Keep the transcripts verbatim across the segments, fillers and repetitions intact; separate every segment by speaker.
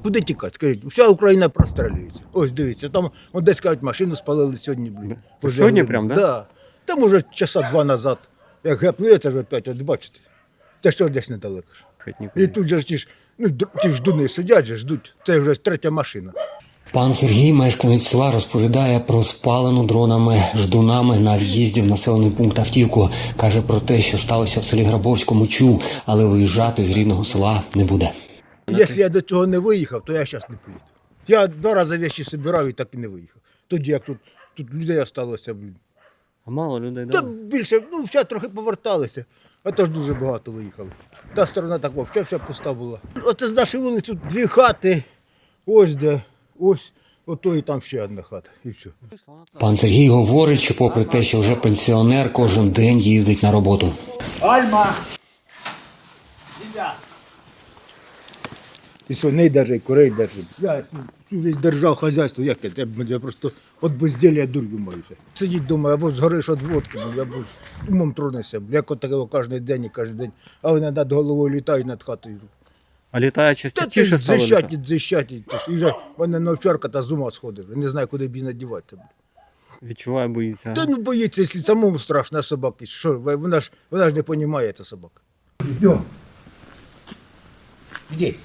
Speaker 1: куди тікати? Скажіть, вся Україна прострілюється. Ось дивіться, там от десь кажуть, машину спалили сьогодні. Блін.
Speaker 2: Сьогодні прям, да?
Speaker 1: Да. Там уже часа два назад, як гепнули, це ж опять, от бачите, це ж десь недалеко. І тут же ж ті ж, ну, ті ж ждуни сидять, же, ждуть, це вже третя машина.
Speaker 3: Пан Сергій, мешканець села, розповідає про спалену дронами, ждунами на в'їзді в населений пункт автівку. Каже про те, що сталося в селі Грабовському, чув, але виїжджати з рідного села не буде.
Speaker 1: Якщо я до цього не виїхав, то я зараз не поїду. Я два рази речі збирав і так і не виїхав. Тоді як тут, тут людей залишилося, блін.
Speaker 2: А мало людей,
Speaker 1: Та
Speaker 2: да?
Speaker 1: більше, ну, ще трохи поверталися, а то ж дуже багато виїхали. Та сторона так взагалі вся пуста була. Оце з нашої вулиці дві хати, ось де, ось, ото і там ще одна хата, і все.
Speaker 3: Пан Сергій говорить, що попри те, що вже пенсіонер, кожен день їздить на роботу.
Speaker 1: Альма! І свиней держи, і курей держи. Я всю життя держав хазяйство, як я, я просто від безділля дурю маюся. Сидіть вдома, або згориш від водки, або умом тронешся, як от такого кожен день і кожен день. А вони над головою літають над хатою.
Speaker 2: А літає
Speaker 1: Та
Speaker 2: частіше
Speaker 1: ти
Speaker 2: стало
Speaker 1: дзищать,
Speaker 2: літати?
Speaker 1: дзищать. І вже мене навчарка та з ума сходить. Не знаю, куди б її надівати.
Speaker 2: Відчуває, боїться.
Speaker 1: Та ну боїться, якщо самому страшно, а собаки. Що, вона ж, вона ж не розуміє, ця собака. Йдемо. Іди.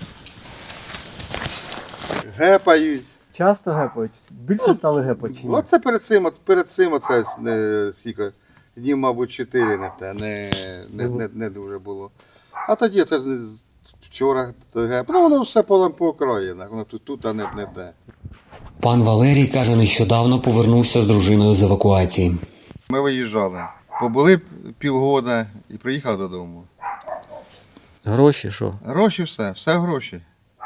Speaker 4: Гепають.
Speaker 2: Часто гепають? Більше стали гепати чи ні?
Speaker 4: Оце перед цим, от перед цим оце не стільки, днів, мабуть, чотири не те, не, не, не, не дуже було. А тоді це з- вчора геп. Ну воно все полем покроєно, воно тут, тут, а не, не те.
Speaker 3: Пан Валерій, каже, нещодавно повернувся з дружиною з евакуації.
Speaker 4: Ми виїжджали, побули півгода і приїхали додому.
Speaker 2: Гроші що?
Speaker 4: Гроші все, все гроші.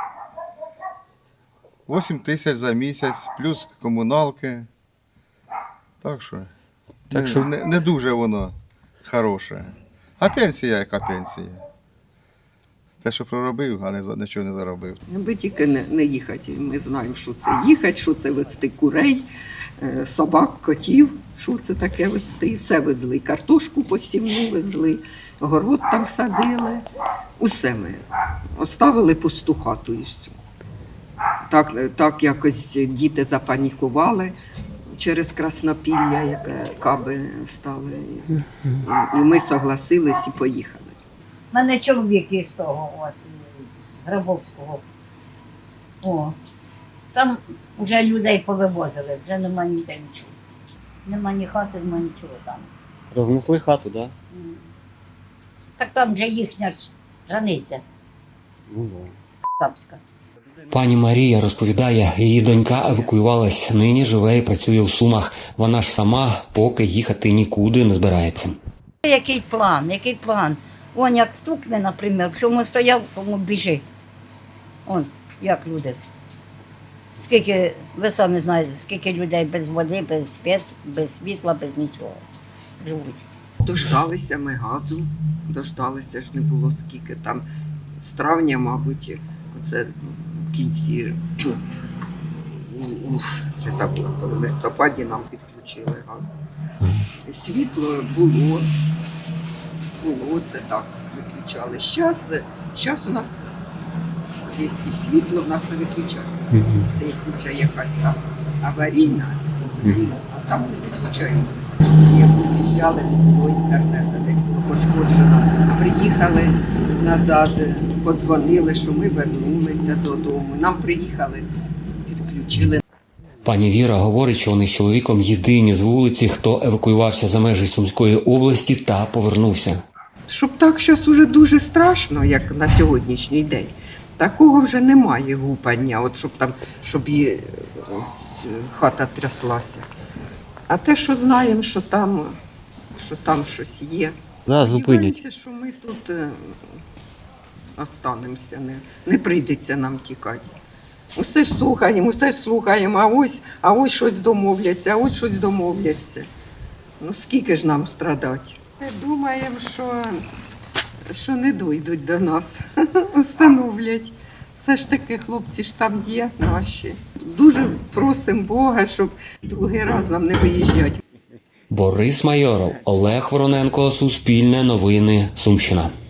Speaker 4: вісім тисяч за місяць, плюс комуналки. Так що,
Speaker 2: Так
Speaker 4: не,
Speaker 2: що-
Speaker 4: не, не дуже воно хороше. А пенсія яка пенсія? Те, що проробив, а не, за- нічого не заробив.
Speaker 5: Аби тільки не, не їхати. Ми знаємо, що це їхати, що це вести курей, е, собак, котів, що це таке вести. І все везли. Картошку посівну везли, город там садили. Усе ми оставили пусту хату і все. Так, так якось діти запанікували через Краснопілля, яке каби стали. І, і ми согласились і поїхали.
Speaker 6: У мене чоловік із того ось, з Грабовського. О, там вже людей повивозили, вже нема ніде нічого. Нема ні хати, нема нічого там.
Speaker 2: Рознесли хату, так?
Speaker 6: М. Так там вже їхня ж границя,
Speaker 2: Ну,
Speaker 6: Капська.
Speaker 3: Пані Марія розповідає, її донька евакуювалась, нині живе і працює у Сумах. Вона ж сама поки їхати нікуди не збирається.
Speaker 6: Який план, який план? Он як стукне, наприклад, в чому стояв, кому біжи. Он, як люди. Скільки, ви самі знаєте, скільки людей без води, без спец, без світла, без нічого живуть.
Speaker 5: Дождалися ми газу, дождалися ж не було скільки там. З травня, мабуть, оце в кінці, у- у- вже забула, коли в листопаді нам підключили газ. Світло було, було це так, виключали. Зараз, зараз у нас є і світло, в нас не виключають. Це якщо вже якась там аварійна, тоді, а там не виключаємо. Як виїжджали, не було інтернету, де було пошкоджено. Приїхали назад, подзвонили, що ми вернулися додому. Нам приїхали, підключили.
Speaker 3: Пані Віра говорить, що вони з чоловіком єдині з вулиці, хто евакуювався за межі Сумської області та повернувся.
Speaker 5: Щоб так зараз уже дуже страшно, як на сьогоднішній день. Такого вже немає гупання, от щоб там, щоб і ось, хата тряслася. А те, що знаємо, що там, що там щось є.
Speaker 2: Да, зупинять.
Speaker 5: Сподіваємося, що ми тут е, останемося, не, не прийдеться нам тікати. Усе ж слухаємо, усе ж слухаємо, а ось, а ось щось домовляться, а ось щось домовляться. Ну скільки ж нам страдати? Думаємо, що, що не дійдуть до нас, встановлять. Все ж таки хлопці ж там є наші. Дуже просимо Бога, щоб другий раз нам не виїжджати.
Speaker 3: Борис Майоров, Олег Вороненко, Суспільне новини, Сумщина.